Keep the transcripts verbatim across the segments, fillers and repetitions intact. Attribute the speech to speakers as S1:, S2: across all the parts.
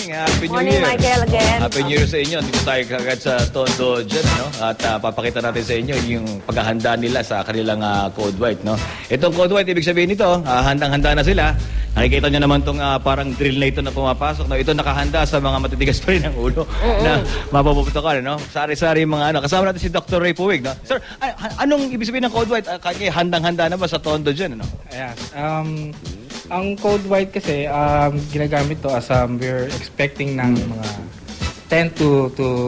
S1: Happy New
S2: Morning,
S1: Year.
S2: Michael, again.
S1: Happy New Year sa inyo. Dito tayo kagad sa Tondo dyan, no? At uh, papakita natin sa inyo yung paghahanda nila sa kanilang uh, Code White, no? Itong Code White, ibig sabihin nito, uh, handang-handa na sila. Nakikita nyo naman itong uh, parang drill na ito na pumapasok. No? Ito nakahanda sa mga matitigas pa rin ng ulo uh-uh. na mapapuputokan, no? Sari-sari mga ano. Kasama natin si Doctor Ray Puig, no? Sir, an- anong ibig sabihin ng Code White? Uh, kaya handang-handa na ba sa Tondo dyan, no?
S3: Yes. Um, ang Code White kasi, um, ginagamit to as um, we're expecting ng mga ten to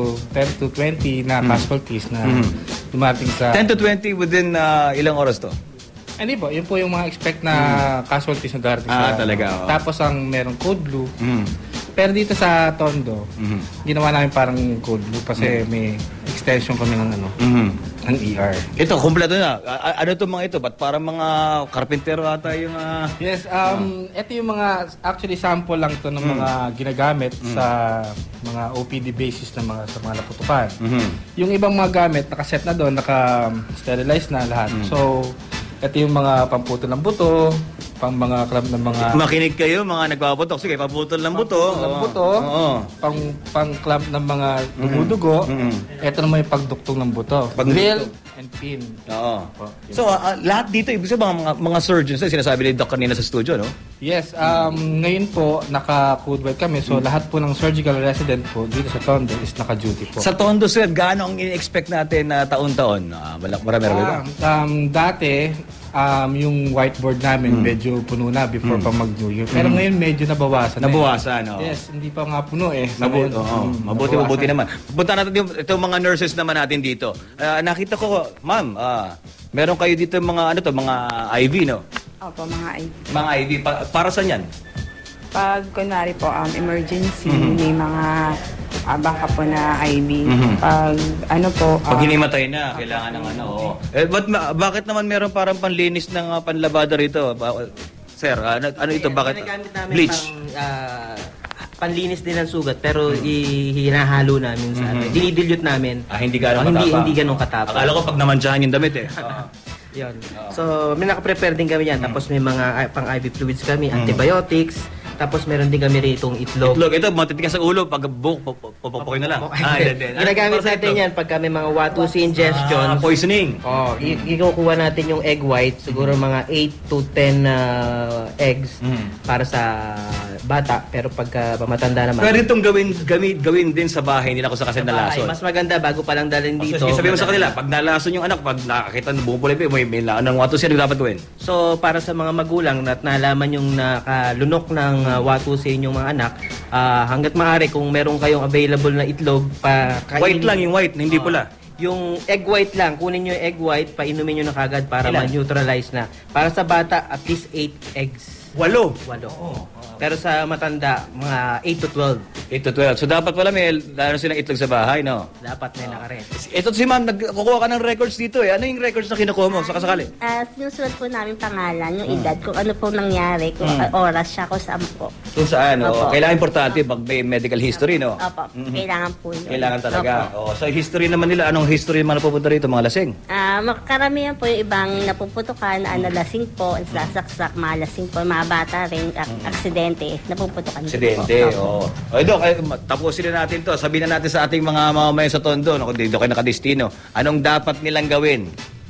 S3: twenty na casualties na mm. dumating sa...
S1: ten to twenty within uh, ilang oras to?
S3: Hindi po, yun po yung mga expect na mm. casualties na darating
S1: ah,
S3: sa...
S1: talaga. Oh.
S3: Tapos ang merong Code Blue.
S1: Mm.
S3: Pero dito sa Tondo,
S1: mm-hmm.
S3: ginawa namin parang Code Blue kasi mm. may extension kami ng ano, mm-hmm. ng E R.
S1: Ito, kumpleto na. A- ano itong mga ito? Ba't parang mga karpintero ata yung... Uh...
S3: Yes, um, uh. ito yung mga, actually sample lang to ng mm. mga ginagamit mm. sa mga O P D basis ng mga, sa mga naputukan. Mm-hmm. Yung ibang mga gamit, nakaset na doon, naka-sterilize na lahat. Mm. So, ito yung mga pamputo ng buto, pang mga club ng mga...
S1: Makinig kayo, mga nagpapaputok. Sige, paputol ng buto.
S3: Pang ng buto,
S1: Oo.
S3: pang, pang club ng mga dumudugo. Mm-hmm. Ito naman yung pagduktong ng buto.
S1: Pag-
S3: Drill and pin.
S1: Oo. So, uh, lahat dito, ibig sabihin, mga, mga surgeons, eh, sinasabi ni Doc kanina sa studio, no?
S3: Yes, um, ngayon po, naka-Code White kami. So, mm-hmm. lahat po ng surgical resident po dito sa Tondo is naka-duty po.
S1: Sa Tondo, sir, gaano ang in-expect natin na uh, taon-taon? Uh, marami rin ba?
S3: Um, dati, um, yung whiteboard namin mm. medyo puno na before mm. pa mag-New Year. Pero mm. ngayon medyo nabawasan.
S1: Nabawasan,
S3: eh.
S1: oo.
S3: Yes, hindi pa nga puno eh.
S1: Mabuti, oo. Oh, mm, mabuti, mabuti naman. Punta natin yung itong mga nurses naman natin dito. Uh, nakita ko, ma'am, uh, meron kayo dito mga ano to, mga I V, no?
S2: Opo, mga I V.
S1: Mga I V. Pa- para saan yan?
S2: Pag, kunwari po, um, emergency, mm-hmm. may mga uh, baka po na I V. Mm-hmm. Pag, ano po... Uh,
S1: Pag hinimatay na, kailangan ng ano. Oh. Eh, but, ma- bakit naman meron parang panlinis ng uh, panlabada rito? Ba- Sir, ano, ano ito? Bakit? Bleach?
S4: Pang, uh, panlinis din ng sugat, pero mm-hmm. hinahalo namin sa mm-hmm. ano. Dinidilute namin.
S1: Ah, hindi gano'ng
S4: oh,
S1: katapa?
S4: Hindi, hindi gano'ng katapa.
S1: Akala ko pag namantsahan yung damit eh. Uh.
S4: Yun. Oh. So, may naka-prepare din kami yan. Mm-hmm. Tapos may mga uh, pang-I V fluids kami, mm-hmm. antibiotics. Tapos meron din kami rito itlog.
S1: Itlog. Ito, matitigas sa ulo. Pag buk, pupupukoy na lang.
S4: Ah, ginagamit natin yan pagka may mga Watusi ingestion.
S1: Ah, poisoning.
S4: Oh, ikukuha natin yung egg white. Siguro mga eight to ten uh, eggs mm. para sa bata. Pero pagka pamatanda naman.
S1: Pwede itong gawin, gawin, gawin din sa bahay nila kung saan kasi nalason.
S4: Mas maganda bago pa lang dalhin dito.
S1: So, sabihin mo sa kanila, pag nalason yung anak, pag nakakita ng bumupulay, may, may anong Watusi, ano dapat gawin?
S4: So, para sa mga magulang at nalaman yung nakalunok ng uh, Watusi inyong mga anak, uh, hanggat maaari kung meron kayong available na itlog, pa kainin.
S1: White lang yung white, hindi
S4: uh,
S1: pula.
S4: Yung egg white lang, kunin nyo yung egg white, painumin nyo na kagad para ma-neutralize na. Para sa bata, at least eight eggs.
S1: Walo?
S4: Walo. Oh. Pero sa matanda, mga eight to twelve.
S1: eight to twelve. So dapat pala may lalo silang itlog sa bahay, no?
S4: Dapat may nakaret.
S1: Ito si ma'am, nagkukuha ka ng records dito eh. Ano yung records na kinukuha mo? Saka sakali?
S5: Uh, sinusulat po namin pangalan, yung hmm. edad, kung ano po nangyari, kung hmm. oras siya, kung saan po.
S1: Kung saan, no? Kailangan importante pag may medical history, no?
S5: Opo, mm-hmm. kailangan po yun.
S1: Kailangan talaga. O, so history naman nila, anong history naman napupunta rito, mga lasing?
S5: Ah, uh, karamihan po yung ibang napuputukan, mm-hmm. nalasing po, sasaksak, malasing po, mga bata rin, ak- mm-hmm. aksidente, napuputukan.
S1: Aksidente, oo. O, Dok, eh, tapusin na natin to. Sabihin na natin sa ating mga mamamayan sa Tondo, no, kung dito kayo nakadestino, anong dapat nilang gawin?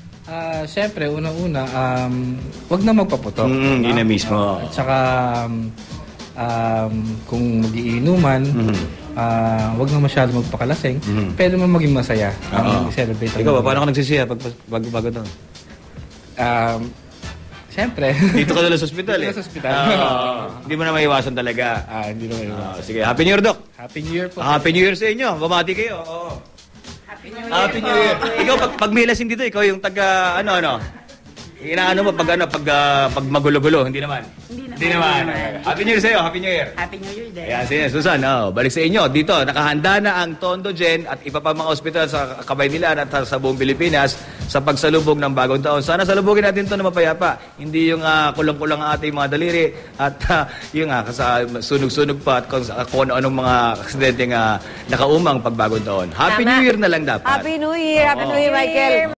S3: Uh, Siyempre, unang-una, um, wag na magpaputok.
S1: Mm, yun na mismo.
S3: At saka, um, um, kung magiinuman, mm-hmm. uh, wag na masyado magpakalasing, mm-hmm. pwede mo maging masaya.
S1: Uh-huh.
S3: Celebrate.
S1: Ikaw ba, paano ka nagsisiya pag, pag bago to?
S3: Um, Siyempre.
S1: Dito ka na sa ospital eh.
S3: Dito sa ospital.
S1: Uh, hindi mo na maiwasan talaga.
S3: Ah, hindi na maiwasan.
S1: Uh, sige, Happy New Year, Doc.
S3: Happy New Year po.
S1: Happy New Year sa inyo. Bumati kayo. Oo.
S2: Happy New Year.
S1: Happy New Year. Ikaw, pag, pag may lasing dito, ikaw yung taga, ano, ano? Inaano mo pag, ano, pag, uh, pag magulo-gulo? Hindi naman.
S2: Hindi naman.
S1: Hindi naman. Happy New Year sa iyo. Happy New Year.
S2: Happy New Year din.
S1: Ayan, sige, Susan. Oh, balik sa inyo. Dito, nakahanda na ang Tondo Gen at iba pa mga ospital sa Kabaynilan at sa buong Pilipinas sa pagsalubog ng bagong taon. Sana salubogin natin ito na mapayapa. Hindi yung uh, kulang-kulang ang ating mga daliri at uh, yung uh, sa sunog-sunog pa at kung, uh, kung ano-anong mga aksidente uh, nakaumang pag bagong taon. Happy
S2: Tama.
S1: New Year na lang dapat.
S2: Happy New Year. Happy
S1: Oo.
S2: New Year, Michael.